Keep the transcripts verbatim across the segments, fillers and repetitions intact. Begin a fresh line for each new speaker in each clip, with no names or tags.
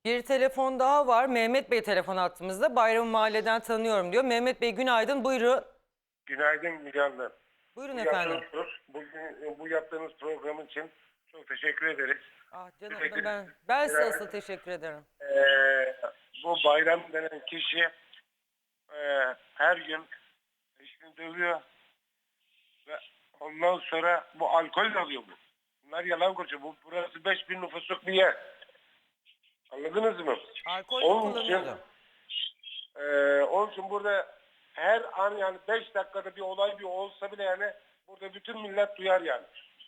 Bir telefon daha var. Mehmet Bey telefon attığımızda. Bayramı mahalleden tanıyorum diyor. Mehmet Bey günaydın. Buyurun.
Günaydın Müge Hanım.
Buyurun
Bu
efendim.
yaptığınız, bugün, bu yaptığınız program için çok teşekkür ederiz.
Ah canım
Sürekli
ben ben size
beraber,
asıl teşekkür ederim.
eee, bu bayram denen kişi eee, her gün eşini dövüyor ve ondan sonra bu alkol alıyor bu. Bunlar yalan konuşuyor. Bu, burası beş bin nüfusluk bir yer. Anladınız mı?
Alkol de
Onun için
kullanıyordu.
eee onun için burada her an yani beş dakikada bir olay bir olsa bile yani burada bütün millet duyar yani.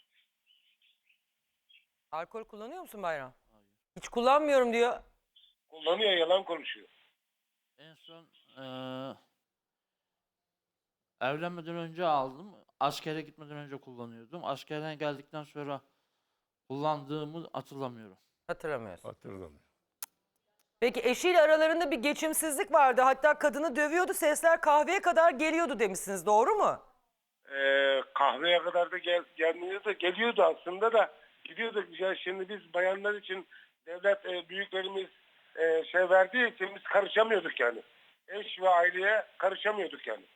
Alkol kullanıyor musun Bayram? Hiç kullanmıyorum diyor.
Kullanıyor, yalan konuşuyor.
En son eee, evlenmeden önce aldım. Askere gitmeden önce kullanıyordum. Askerden geldikten sonra kullandığımı hatırlamıyorum.
Hatırlamıyorsun.
Hatırlamıyorum.
Peki eşiyle aralarında bir geçimsizlik vardı. Hatta kadını dövüyordu. Sesler kahveye kadar geliyordu demişsiniz. Doğru mu?
Ee, kahveye kadar da gel, gelmiyordu da geliyordu aslında da gidiyordu. Ya şimdi biz bayanlar için devlet e, büyüklerimiz e, şey verdiği için biz karışamıyorduk yani. Eş ve aileye karışamıyorduk yani.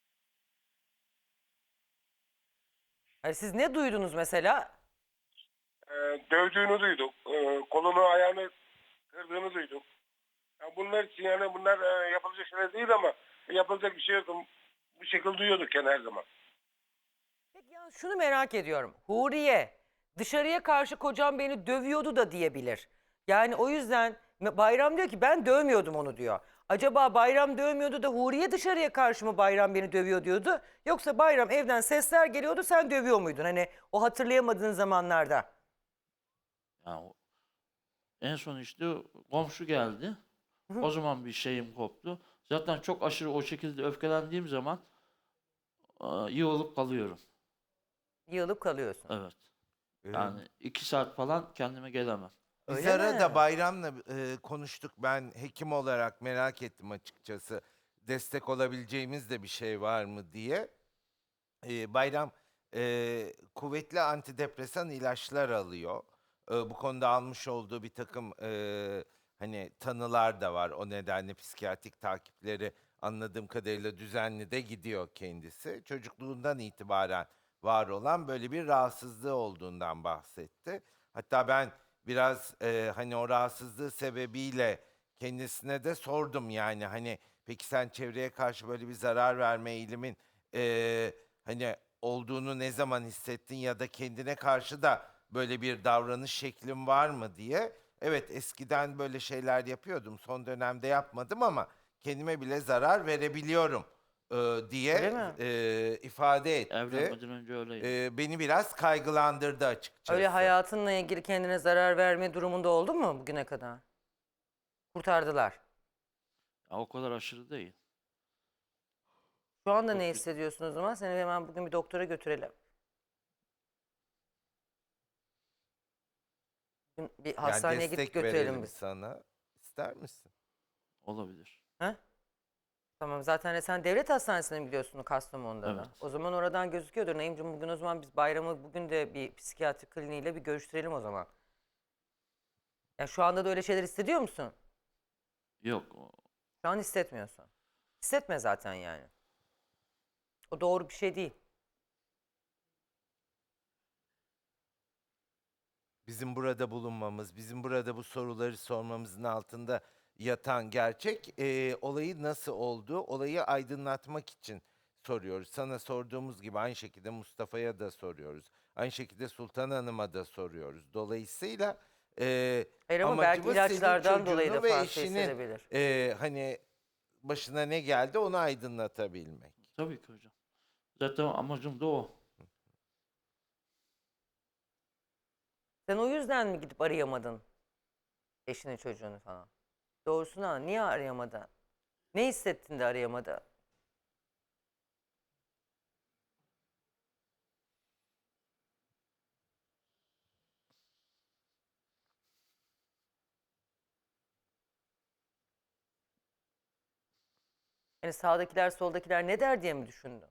Yani siz ne duydunuz mesela?
Ee, dövdüğünü duyduk. Ee, kolunu ayağını kırdığını duyduk. Yani bunlar için yani bunlar e, yapılacak şeyler değil ama yapılacak bir şey yok. Bu şekilde duyuyorduk yani her zaman.
Peki ya şunu merak ediyorum. Huriye dışarıya karşı kocam beni dövüyordu da diyebilir. Yani o yüzden Bayram diyor ki ben dövmüyordum onu diyor. Acaba Bayram dövmüyordu da Huriye dışarıya karşı mı Bayram beni dövüyor diyordu? Yoksa Bayram evden sesler geliyordu sen dövüyor muydun? Hani o hatırlayamadığın zamanlarda.
Yani o- en son işte komşu geldi. O zaman bir şeyim koptu. Zaten çok aşırı o şekilde öfkelendiğim zaman eee, yığılıp kalıyorum.
Yığılıp kalıyorsun.
Evet. Yani iki saat falan kendime gelemem.
Biz
Öyle
arada
mi?
Bayram'la e, konuştuk. Ben hekim olarak merak ettim açıkçası. Destek olabileceğimiz de bir şey var mı diye. E, Bayram e, kuvvetli antidepresan ilaçlar alıyor. E, bu konuda almış olduğu bir takım e, hani tanılar da var. O nedenle psikiyatrik takipleri anladığım kadarıyla düzenli de gidiyor kendisi. Çocukluğundan itibaren var olan böyle bir rahatsızlığı olduğundan bahsetti. Hatta ben biraz e, hani o rahatsızlığı sebebiyle kendisine de sordum yani hani peki sen çevreye karşı böyle bir zarar verme eğilimin e, hani olduğunu ne zaman hissettin ya da kendine karşı da böyle bir davranış şeklin var mı diye. Evet eskiden böyle şeyler yapıyordum. Son dönemde yapmadım ama kendime bile zarar verebiliyorum e,
Öyle
diye
mi?
e, ifade etti.
Evlenmeden önce öyleydi.
E, beni biraz kaygılandırdı açıkçası.
Öyle hayatınla ilgili kendine zarar verme durumunda oldu mu bugüne kadar? Kurtardılar.
Ya o kadar aşırı değil.
Şu anda
Çok
ne
bir-
hissediyorsun o zaman? Seni hemen bugün bir doktora götürelim. Bugün bir
Yani
hastaneye gidip
destek
götürelim
verelim
biz.
sana. İster misin?
Olabilir.
Ha? Tamam zaten sen devlet hastanesine mi gidiyorsun Kastamonu'da da?
Evet.
O zaman oradan gözüküyordur. Naimciğim bugün o zaman biz bayramı bugün de bir psikiyatri kliniğiyle bir görüştürelim o zaman. Ya şu anda da öyle şeyler hissediyor musun?
Yok. o-
Şu an hissetmiyorsun. Hissetme zaten yani. O doğru bir şey değil.
Bizim burada bulunmamız, bizim burada bu soruları sormamızın altında yatan gerçek e, olayı nasıl oldu, olayı aydınlatmak için soruyoruz. Sana sorduğumuz gibi aynı şekilde Mustafa'ya da soruyoruz. Aynı şekilde Sultan Hanım'a da soruyoruz. Dolayısıyla e,
Hayır ama belki
amacımız senin
ilaçlardan dolayı da
çocuğunu ve
farklı
eşinin
hissedebilir.
e, hani başına ne geldi onu aydınlatabilmek.
Tabii ki hocam. Zaten amacım da o.
Sen o yüzden mi gidip arayamadın eşini çocuğunu falan? Doğrusunu anla. Niye arayamadın? Ne hissettin de arayamadı? Yani sağdakiler soldakiler ne der diye mi düşündün?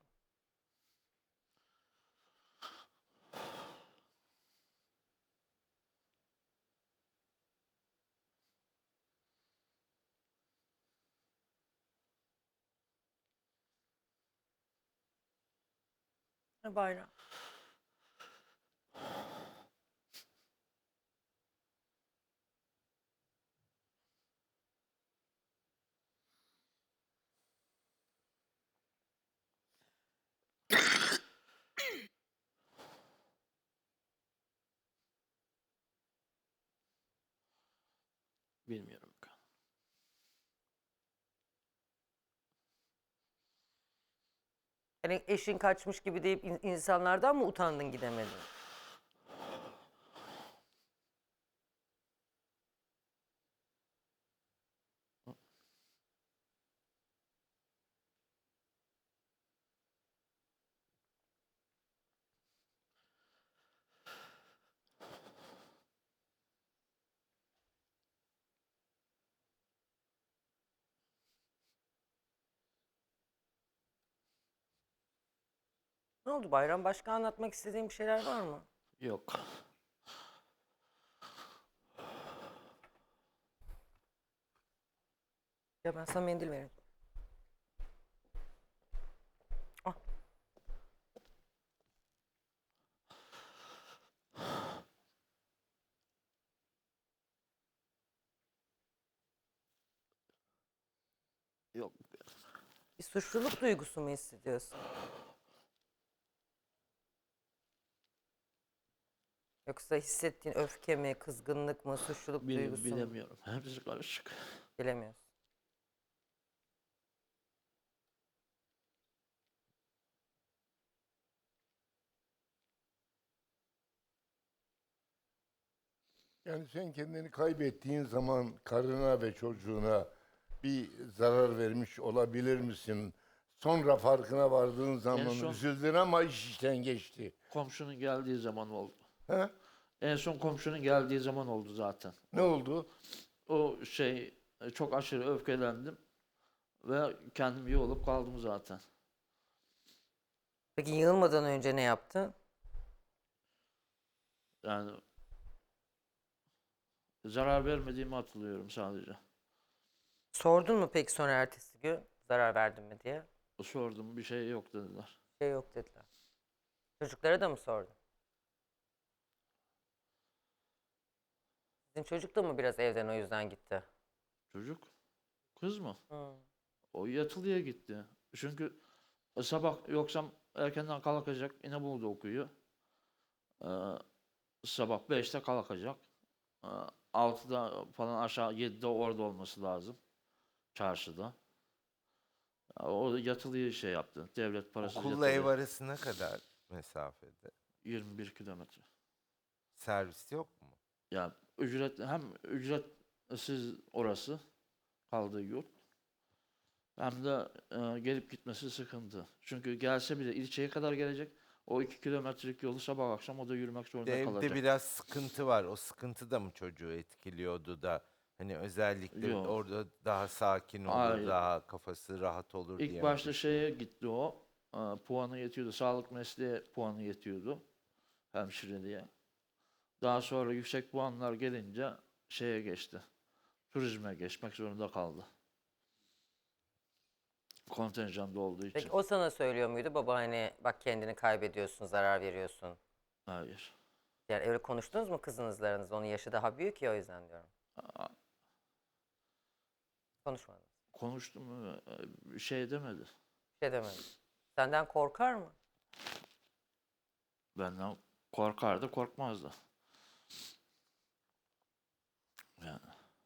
Ha, Bayram.
Bilmiyorum.
Yani eşin kaçmış gibi deyip in- insanlardan mı utandın gidemedin? Ne oldu Bayram? Başka anlatmak istediğin bir şeyler var mı?
Yok.
Ya ben sana mendil vereyim. Ah.
Yok.
Bir suçluluk duygusu mu hissediyorsun? Yoksa hissettiğin öfke mi, kızgınlık mı, suçluluk
Bile,
duygusu mu?
bilemiyorum. Hepsi karışık.
Bilemiyorsun.
Yani sen kendini kaybettiğin zaman karına ve çocuğuna bir zarar vermiş olabilir misin? Sonra farkına vardığın zaman
son-
üzüldün ama iş işten geçti.
Komşunun geldiği zaman oldu.
He?
En son komşunun geldiği zaman oldu zaten.
Ne oldu?
O şey e, çok aşırı öfkelendim ve kendim iyi olup kaldım zaten.
Peki yığılmadan önce ne yaptın?
Yani zarar vermediğimi hatırlıyorum sadece.
Sordun mu peki sonra ertesi gün zarar verdin mi diye?
Sordum, bir şey yok dediler.
Şey yok dediler. Çocuklara da mı sordun? Sizin çocuk da mı biraz evden o yüzden gitti?
Çocuk, kız mı?
Hı.
O yatılıya gitti. Çünkü sabah yoksam erkenden kalkacak. İnebolu'da okuyor. Ee, sabah beşte kalkacak. Ee, altıda falan aşağı yedide orada olması lazım. Çarşıda. Ya o yatılıyı şey yaptı. Devlet parasız
Okulla ev
yatılıyı.
arası ne kadar mesafede?
yirmi bir kilometre.
Servis yok mu?
Ya ücret hem ücretsiz orası kaldığı yurt. Hem de e, gelip gitmesi sıkıntı. Çünkü gelse bile ilçeye kadar gelecek. O iki kilometrelik yolu sabah akşam o da yürümek zorunda
Evde
kalacak.
biraz sıkıntı var. O sıkıntı da mı çocuğu etkiliyordu da hani özellikle
Yok.
orada daha sakin olur,
Hayır.
daha kafası rahat olur diye
İlk
mi
başta
düşünüyor?
şeye gitti o. E, puanı yetiyordu. Sağlık mesleği puanı yetiyordu. Hemşireliğe. Daha sonra yüksek puanlar gelince şeye geçti. Turizme geçmek zorunda kaldı. Kontenjanda olduğu için.
Peki o sana söylüyor muydu baba hani bak kendini kaybediyorsun, zarar veriyorsun.
Hayır.
Yani öyle konuştunuz mu kızınızla aranızda? Onun yaşı daha büyük ya o yüzden diyorum.
Aa,
Konuşmadınız.
konuştum mu? E, bir şey demedi.
Bir şey demedi. Senden korkar mı?
Benden korkardı, korkmazdı. Yani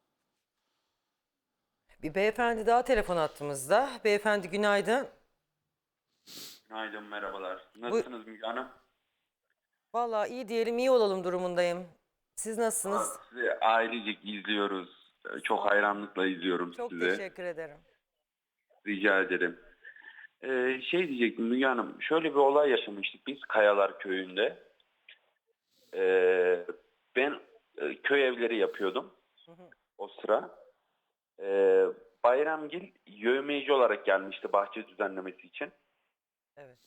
Bir beyefendi daha telefon attığımızda. Beyefendi günaydın.
Günaydın, merhabalar. Nasılsınız Müge Hanım?
Vallahi iyi diyelim iyi olalım durumundayım. Siz
Valla
nasılsınız?
Sizi ailecek izliyoruz. Ee, Çok hayranlıkla izliyorum
Çok
sizi.
teşekkür ederim.
Rica ederim. Ee, şey diyecektim Müge Hanım, şöyle bir olay yaşamıştık biz Kayalar Köyü'nde. Ee, ben e, köy evleri yapıyordum
Hı hı.
o sıra. Ee, Bayramgil yevmiyeci olarak gelmişti bahçe düzenlemesi için.
Evet.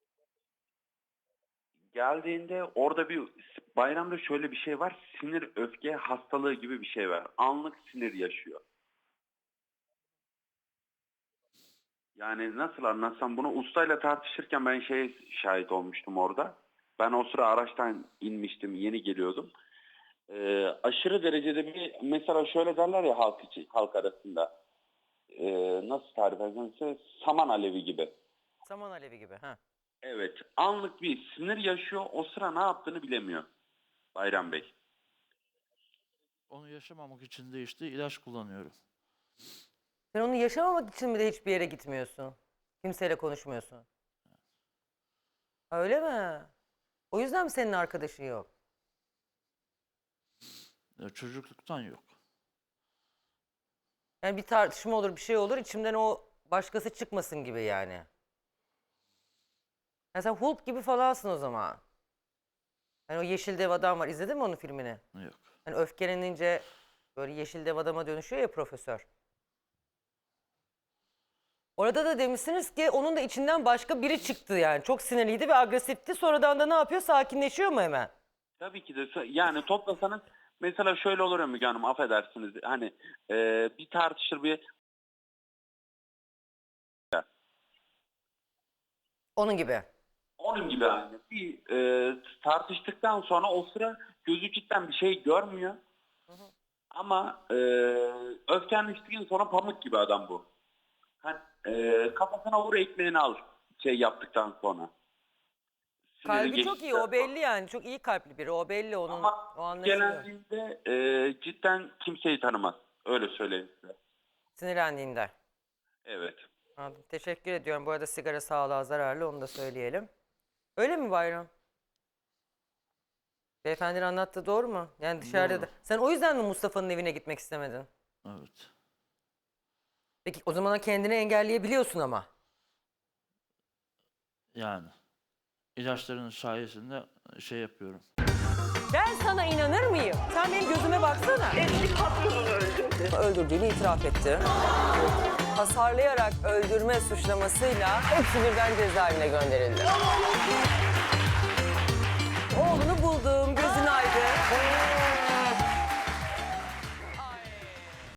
Geldiğinde orada bir bayramda şöyle bir şey var. Sinir öfke hastalığı gibi bir şey var. Anlık sinir yaşıyor. Yani nasıl anlatsam bunu, ustayla tartışırken ben şeye şahit olmuştum orada. Ben o sıra araçtan inmiştim, yeni geliyordum. Ee, aşırı derecede bir, mesela şöyle derler ya halk içi, halk arasında. Ee, nasıl tarif etsem size, saman alevi gibi.
Saman alevi gibi. Ha.
Evet, anlık bir sinir yaşıyor, o sıra ne yaptığını bilemiyor Bayram Bey.
Onu yaşamamak için de işte ilaç kullanıyorum.
Sen onu yaşamamak için mi de hiçbir yere gitmiyorsun? Kimseyle konuşmuyorsun? Öyle mi? O yüzden mi senin arkadaşın yok?
Ya çocukluktan yok.
Yani bir tartışma olur, bir şey olur, içimden o başkası çıkmasın gibi yani. Yani sen Hulk gibi falansın o zaman. Yani o Yeşil Dev adam var. İzledin mi onun filmini?
Yok.
Hani öfkelenince böyle Yeşil Dev adama dönüşüyor ya profesör. Orada da demişsiniz ki onun da içinden başka biri çıktı yani. Çok sinirliydi ve agresifti. Sonradan da ne yapıyor? Sakinleşiyor mu hemen?
Tabii ki de, yani toplasanız mesela şöyle olur ya Müge Hanım, affedersiniz. Hani e, bir tartışır bir,
Onun gibi.
onun gibi yani. Bir e, tartıştıktan sonra o sıra gözü cidden bir şey görmüyor. Ama e, öfkeleniştikten sonra pamuk gibi adam bu. Hani, e, kafasına vur, ekmeğini al şey yaptıktan sonra. Siniri
Kalbi çok iyi.
geçtikten
O
sonra.
belli yani. Çok iyi kalpli biri. O belli. Onun,
Ama
o anlaşılıyor.
gelendiğinde e, cidden kimseyi tanımaz. Öyle söyleyeyim size.
Sinirlendiğinde.
Evet.
Anladım. Teşekkür ediyorum. Bu arada sigara sağlığa zararlı. Onu da söyleyelim. Öyle mi Bayram? Beyefendinin anlattığı doğru mu? Yani dışarıda
Doğru.
da. Sen o yüzden mi Mustafa'nın evine gitmek istemedin?
Evet.
Peki o zaman kendini engelleyebiliyorsun ama.
Yani ilaçların sayesinde şey yapıyorum.
Ben sana inanır mıyım? Sen benim gözüme baksana.
Eski patronunu öldürdü.
Öldürdüğünü itiraf etti. Hasarlayarak öldürme suçlamasıyla hepsi birden cezaevine gönderildi.